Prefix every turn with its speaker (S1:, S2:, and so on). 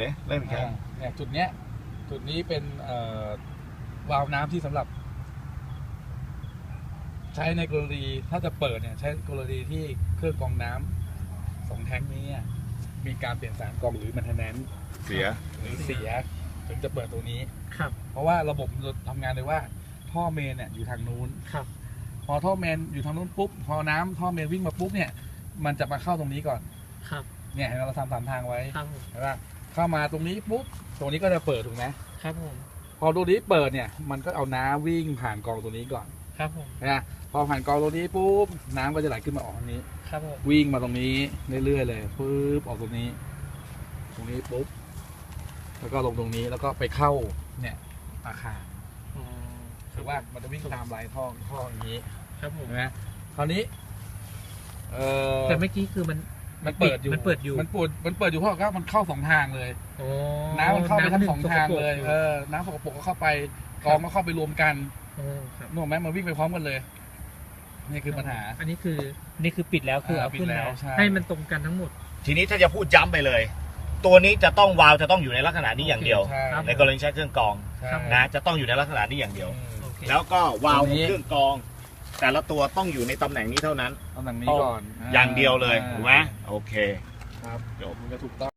S1: เริ่มอีกครั้ง
S2: เนี่ยจุดเนี้ยจุดนี้เป็นวาล์วน้ำที่สำหรับ ใช้ในกรณีถ้าจะเปิดเนี่ยใช้กรณีที่เครื่องกรองน้ำ2 แท้งนี้เนี่ยมีการเปลี่ยนสารกรองหรือมันเทนแนนซ์
S1: เสีย
S2: หรือเสียถึงจะเปิดตัวนี้
S3: ครับ
S2: เพราะว่าระบบทำงานเลยว่าท่อเมนเนี่ยอยู่ทางนู้น
S3: ครับ
S2: พอท่อเมนอยู่ทางนู้นปุ๊บพอน้ำท่อเมนวิ่งมาปุ๊บเนี่ยมันจะมาเข้าตรงนี้ก่อน
S3: ครับ
S2: เนี่ยเห็นไหมเราทำ3 ทางไว้
S3: ครับผม
S2: เห็นไหมเข้ามาตรงนี้ปุ๊บตรงนี้ก็จะเปิดถูกไหม
S3: ครับผม
S2: พอตรงนี้เปิดเนี่ยมันก็เอาน้ำวิ่งผ่านกรองตัวนี้ก่อน
S3: ครับผม
S2: นะพอผ่านกรองตัวนี้ปุ๊บน้ำก็จะไหลขึ้นมาออกตรงนี้
S3: ครับผม
S2: วิ่งมาตรงนี้เรื่อยๆเลยปุ๊บออกตรงนี้ปุ๊บแล้วก็ลงตรงนี้แล้วก็ไปเข้าเนี่ยอาคาร
S3: อ๋อ
S2: คือว่ามันจะวิ่งตามลายท่ออย่างนี้
S3: ครับผม
S2: เห็นไหมคราวนี้
S3: แต่เมื่อกี้คือมันเปิดอยู่
S2: มันเปิดอยู่เพราะว่ามันเข้า2 ทางเลย
S3: โอ้
S2: น้ำมันเข้าไปทั้ง
S3: หนึ่
S2: 2 ทางเลย
S3: สกปรก
S2: น้ำสกปรกก็เข้าไปกรองก็เข้าไปรวมกัน
S3: โอ้ครับ
S2: นึกออกไหมมันวิ่งไปพร้อมกันเลยนี่คือปัญหา
S3: อันนี้คือปิดแล้วคือเอาขึ้น
S2: ปิดแล้
S3: แล้ว ว
S2: ใช่
S3: ให้มันตรงกันทั้งหมด
S1: ทีนี้ถ้าจะพูดย้ำไปเลย ตัวนี้จะต้องวาล์วจะต้องอยู่ในลักษณะนี้อย่างเดียว
S2: ใช่
S3: ครับ
S1: ในกรณีใช้เครื่องกรอง
S2: ใช่
S1: นะจะต้องอยู่ในลักษณะนี้อย่างเดียว
S3: โอเค
S1: แล้วก็วาล์ว
S2: ตรงนี้
S1: เครื่องกรอง แต่ละตัวต้องอยู่ในตำแหน่งนี้เท่านั้น
S2: ตำแหน่งนี้ก่อน
S1: อย่างเดียวเลย
S2: า
S1: ถูกไหมโอเค
S2: ครับ
S1: จบ
S2: มันจะถูกต้อง